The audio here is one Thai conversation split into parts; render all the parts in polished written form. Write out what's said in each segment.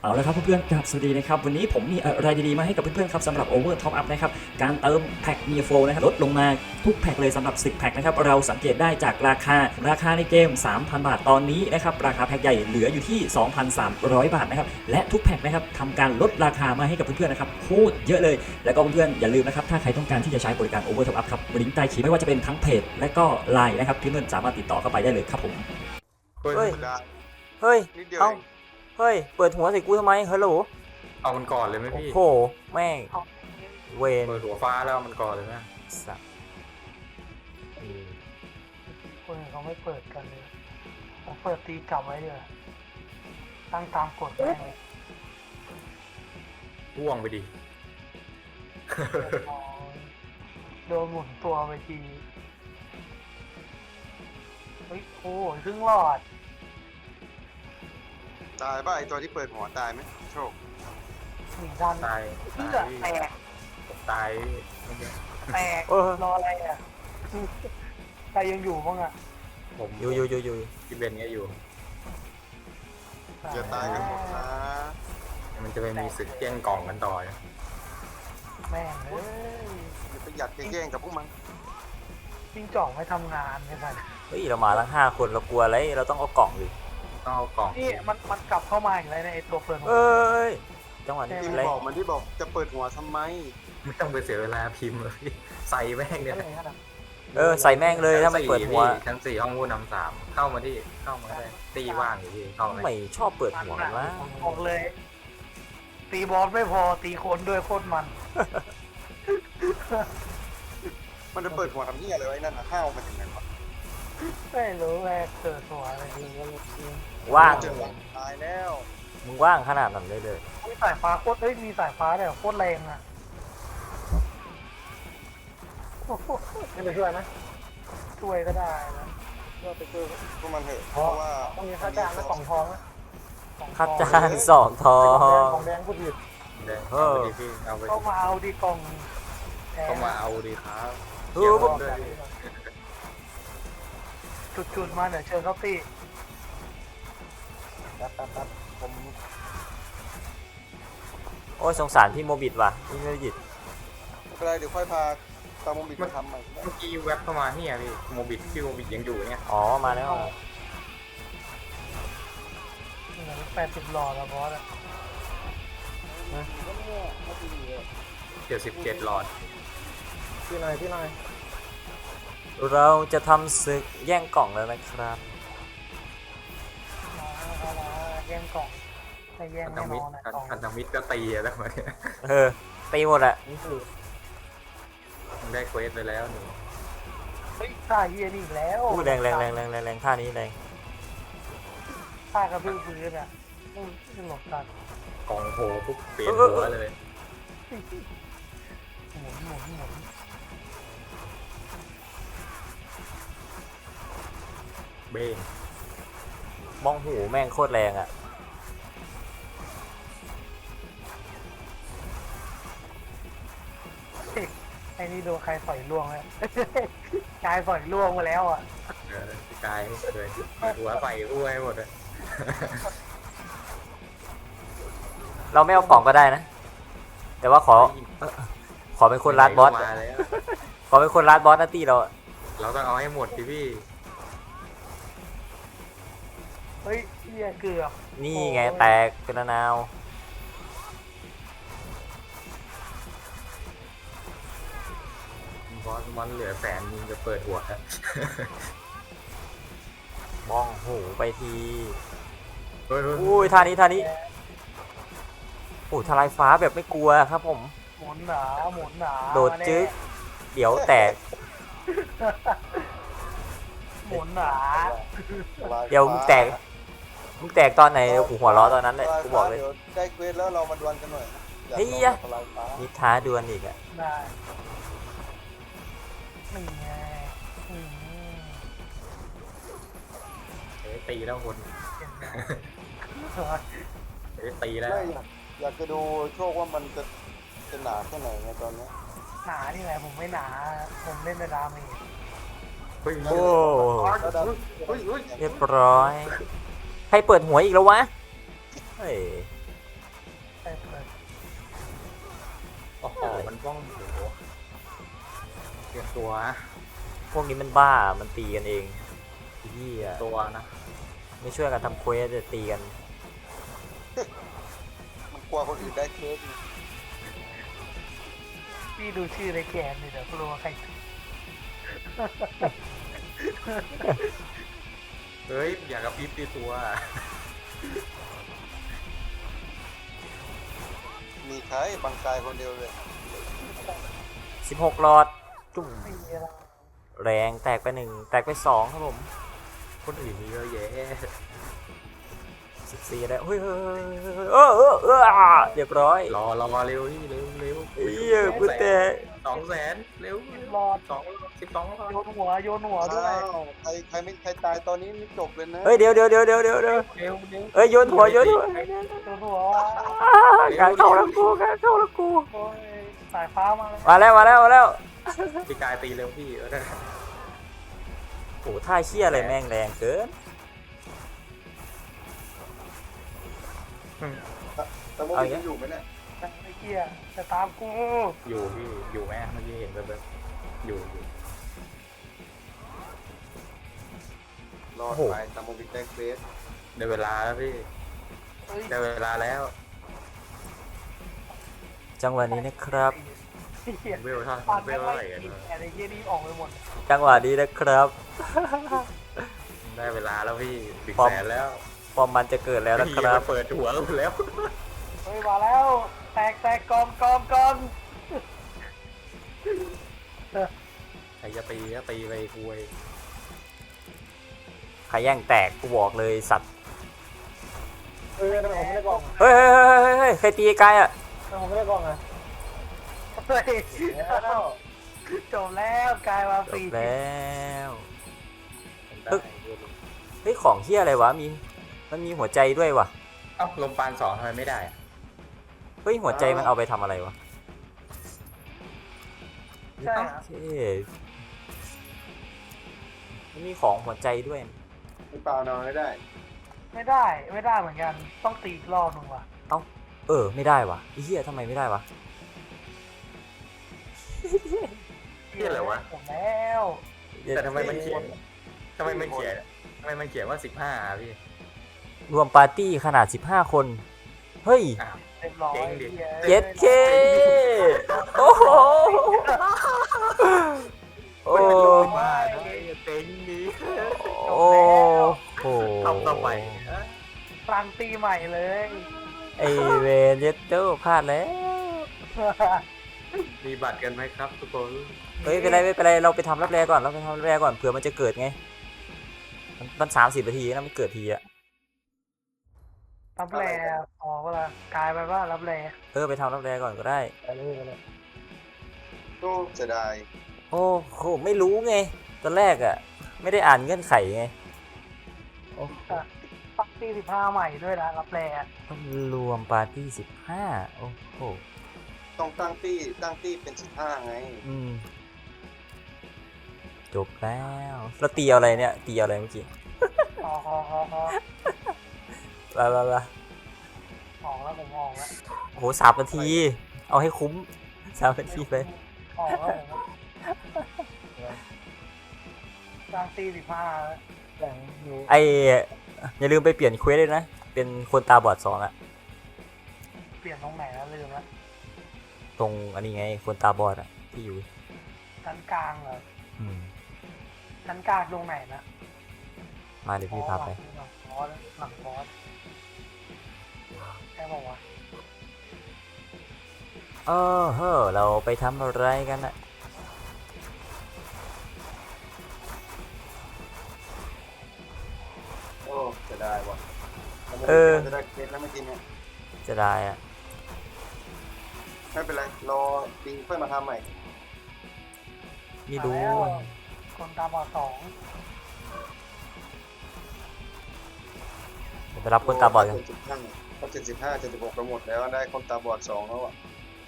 เอาละครับเพื่อนๆครับสวัสดีนะครับวันนี้ผมมีอะไรดีๆมาให้กับเพื่อนๆครับสำหรับ Over Top Up นะครับการเติมแพ็คมีโฟนะครับลดลงมาทุกแพ็คเลยสำหรับ10แพ็คนะครับเราสังเกตได้จากราคาในเกม 3,000 บาทตอนนี้นะครับราคาแพ็คใหญ่เหลืออยู่ที่ 2,300 บาทนะครับและทุกแพ็คนะครับทำการลดราคามาให้กับเพื่อนๆนะครับโคตรเยอะเลยแล้วก็เพื่อนๆอย่าลืมนะครับถ้าใครต้องการที่จะใช้บริการ Over Top Up ครับลิงก์ใต้คลิปไม่ว่าจะเป็นทั้งเพจและก็ LINE นะครับเพื่อนๆสามารถติดต่อเข้าไปได้เลยครับผมเฮ้ยเฮ้ยได้เฮ้ยนิดเดียวเอ้าเองเฮ้ย เปิดหัวใส่กูทำไมฮัลโหลเอามันก่อนเลยไหมโอ้พี่โห แม่ง เวนเปิดหัวฟ้าแล้วเอามันก่อนเลยนะสัสคนอื่นเขาไม่เปิดกันเลยผมเปิดตีกลับไว้เดียวาตั้งตามกฎแม่งเลยพ่วงไปดิอ๋อโดนหมุนตัวไปทีเฮ้ยโอ้ยครึ่งหลอดตายป่ะไอตัวที่เปิดหัวตายไหมโชคหนีดันตายเพื่อตายแตกตายเมื่อกี้แตกรออะไรอ่ะใครยังอยู่บ้างอ่ะผมอยู่พี่เบนก็อยู่อย่าตายกันหมดนะมันจะไปมีศึกแย่งกล่องกันต่อนะแม่งเอ้ยอย่าไปหยัดแย่งกับพวกมันจิ้งจอกไม่ทำงานไม่ทันเฮ้ย เรามาทั้ง5 คนเรากลัวอะไร เราต้องเอากล่องดิต้องเอากล่องนี่มันกลับเข้ามาอีกแล้วในไอตัวเปิดหัวเอ้ย จังหวะนี้ที่อะไรบอกมันที่บอกจะเปิดหัวทำไมไม่ต้องไปเสียเวลาพิมพ์เลยใส่แม่งเนี่ยอะไรกันอะใส่แม่งเลยถ้าไม่เปิดหัวชั้นสี่ห้องผู้นำ3เข้ามาได้ตีว่างอยู่พี่เข้าไหมไม่ชอบเปิดหัวกันวะบอกเลย ตีบอสไม่พอตีคนด้วยโคตรมันมันจะเปิดหัวทำเหี้ยอะไรไว้นั่นนะข้าวมันถึงไหนวะไม่รู้แม่เกิดหัวอะไรว่างเจอหลังตายแล้วมึงว่างขนาดนั้นเลยมีสายฟ้าโคตรมีสายฟ้าแต่โคตรแรงอ่ะไม่ไปช่วยไหมช่วยก็ได้นะก็ไปช่วยพวกมันเถอะเพราะว่าต้องมีค่าจ้างนะกล่องทองนะคัดจาน2 ทองของแดงพูดผิดเดี๋ยวเอาไปดิพี่เอาไปก็มาเอาดีกล่องแดงก็มาเอาดีครับเอเกี่ยวอด้วยพี่จุดๆมาเดี๋ยวเชิญเขาตีแป๊บผมโอ้ยสงสารพี่โมบิดว่ะพี่โมบิดไม่เป็นไรเดี๋ยวค่อยพาตามมุมบิดมาทำใหม่เมื่อกี้แว็บเข้ามาเนี่ยพี่โมบิดพี่โมบิดยังอยู่เนี่ยอ๋อ มาแล้ว 80 หลอดแล้วบอสอะ 77หลอดพี่หน่อยเราจะทำศึกแย่งกล่องแล้วนะครับมาแย่งกล่องไม่แย่งพันธแน่นมิตอรนนะกล่องพันธมิตรก็ตีแล้วมาเนี่ยตีหมดอะได้เควสไปแล้วหนูเฮ้ยท่าเฮียนี่อีกแล้วอู้แรงท่านี้แรงท่ากระพือพื้นอ่ะไม่หลบกันกองโผล่ปุ๊บเปลี่ยนหัวเลยหมุนเบ้งมองหูแม่งโคตรแรงอะไอ้นี่โดนใครปล่อยล่วงแล้วกายปล่อยล่วงมาแล้วอ่ะพี่กายเลยหัวใส่อ้วยหมดเลยเราไม่เอากล่องก็ได้นะ แต่ว่าขอเป็นคนรัดบอสมาแล้วขอเป็นคนรัดบอสนะตีเราอะเราต้องเอาให้หมดดิพี่เฮ้ยเฮียเกือบนี่ไงแตกเป็นนาวบอสมันเหลือแสนจะเปิดหัวแล้วมองหูไปทีเฮ้ยอุ้ยท่านี้โอ้ทลายฟ้าแบบไม่กลัวครับผมหมุนหนาโดดจึ๊กเดี๋ยวแตกหมุนหนาเดี๋ยวมึงแตกตอนไหนเดี๋ยวกูหัวเราะตอนนั้นเลยกูบอกเลยดี๋วได้เควสแล้วเรามาดวลกันหน่อยนะอยากเฮ้ยลองทลายฟ้ามีท้าดวลอีกอะได้นี่ไงตีแล้วคนเห็นไหมตีแล้วไม่อยากจะดูโชคว่ามันจะหนาแค่ไหนไงตอนเนี้ยหนานี่ไงผมไม่หนา ผมเล่นในดาเมจเฮ้ยโอ้แล้วดันเฮ้ยเรียบร้อยใครเปิดหัวอีกแล้ววะเฮ้ยเปิดโอ้โหมันป้องโอ้โหเตรียมตัวนะพวกนี้มันบ้ามันตีกันเองไอ้เหี้ยตัวนะไม่ช่วยกันทำเควสจะตีกันมันกลัวคนอื่นได้เคสพี่ดูชื่อในแกนเลยเดี๋ยวรู้ว่าใครเฮ้ยอย่ากระพริบตีตัวมีใครบางกายคนเดียวเลย 16หลอดจุ่มไม่มีอะไรแรงแตกไป1แตกไป2ครับผมคนอื่นมีเยอะแยะ 14แล้วเฮ้ยเรียบร้อยรอเร็วพี่เร็วเหี้ยกูแตก 200,000เร็วรอด 12 โยนหัวด้วยอ้าวใครตายตอนนี้ไม่จบเลยนะเฮ้ยเดี๋ยวเร็วเอ้ยโยนหัวโยนหัวการเข้าแล้วกูโอ้ยสายฟ้ามาเลยมาแล้วพี่กายตีเร็วพี่ได้โหท่าเชี่ยอะไรแม่งแรงเกินแต่โมบิยังอยู่ไหมเนี่ยไอ้เหี้ยจะตามกูอยู่พี่อยู่ไหมเมื่อกี้เห็นแบบอยู่รอดไปแต่โมบิได้เคสได้เวลาแล้วพี่เฮ้ยได้เวลาแล้วจังหวะนี้นะครับไอ้เหี้ยเวลเท่าปั่นเวไม่ลไหวเท่าไหร่กันแต่ไอ้เหี้ยนี่ออกไปหมดจังหวะนี้นะครับได้เวลาแล้วพี่100,000แล้วฟอร์มมันจะเกิดแล้วนะคพี่รับมาเปิดหัวแล้วเฮ้ยมาแล้วแตกกอมใครจะตีก็ตีไปคุยใครแย่งแตกกูบอกเลยสัตว์ผมไม่ได้กล่องเฮ้ยใครตีไกลอ่ะผมไม่ได้กล่องอ่ะเฮ้ยจบแล้วกลายมาจฟรีบแล้วได้เฮ้ยของเฮียอะไรวะมันมีหัวใจด้วยวะเอ้าลมปาน2ทำไมไม่ได้อะเฮ้ยหัวใจมันเอาไปทำอะไรวะใช่โอเคมันมีของหัวใจด้วยไม่เปล่านอนไม่ได้ไม่ได้เหมือนกันต้องตีอีกรอบหนึ่งว่ะไม่ได้วะไอ้เฮียทำไมไม่ได้วะพี่อะไรวะผมแล้วแต่ทำไมมันเขียนว่า15อะพี่รวมปาร์ตี้ขนาด15 คน เฮ้ยอ้าวเรียบร้อยเก่งดิเจ็ดเคโอ้โหโอ้บ้าเต็งดีโอ้โหทำต่อไปกลางตีใหม่เลยไอเวนเยตเตอร์พลาดแล้วมีบัตรกันไหมครับทุกคนเฮ้ยไม่เป็นไรเราไปทำรับแรก่อนเผื่อมันจะเกิดไงมัน30 นาทีนะมันเกิดทีอะรับแรพอเวลากลายไปว่ารับแรไปทำรับแรก่อนก็ได้โอ้เสียดายโอ้โหไม่รู้ไงตอนแรกอะไม่ได้อ่านเงื่อนไขไงปักตี15ใหม่ด้วยนะรับแรรวมปาร์ตี้15โอ้โหต้องตั้งตี้เป็น15ไงจบแล้วแล้วตีเอาอะไรเนี่ยตีเอาอะไรเมื่อกี้พอไปออกแล้วผมออกแล้วโอ้โห3 นาที เอาให้คุ้ม3 นาทีไปออกแล้วผมกลางตี15แล้วไออย่าลืมไปเปลี่ยนเควสด้วยนะ เป็นคนตาบอด2อะเปลี่ยนตรงไหนแล้วลืมแล้วตรงอันนี้ไงคนตาบอดอะที่อยู่ชั้นกลางเหรออืมชั้นกลางตรงไหนนะมาเดี๋ยวพี่พาไปหลังบอสใช่บอกว่าเราไปทำอะไรกันอะโอ้เสียดายว่ะจะได้เคสแล้วเมื่อกี้เนี่ยจะได้อะไม่เป็นไรรอดิงค่อยมาทำใหม่ไม่รู้มาแล้วคนตาบอด2 เดี๋ยวไปรับคนตาบอดกันเขา75 76ไปหมดแล้วได้คนตาบอด2แล้วอ่ะ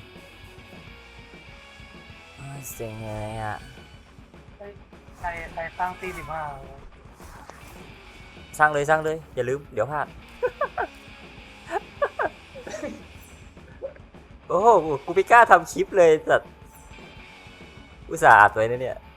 เซ็งเลยอะใครตั้งตี15 สร้างเลยอย่าลืมเดี๋ยวพลาดโอ้โหกูไม่กล้าทำคลิปเลยสัตว์อุตส่าห์อัดไว้นะเนี่ย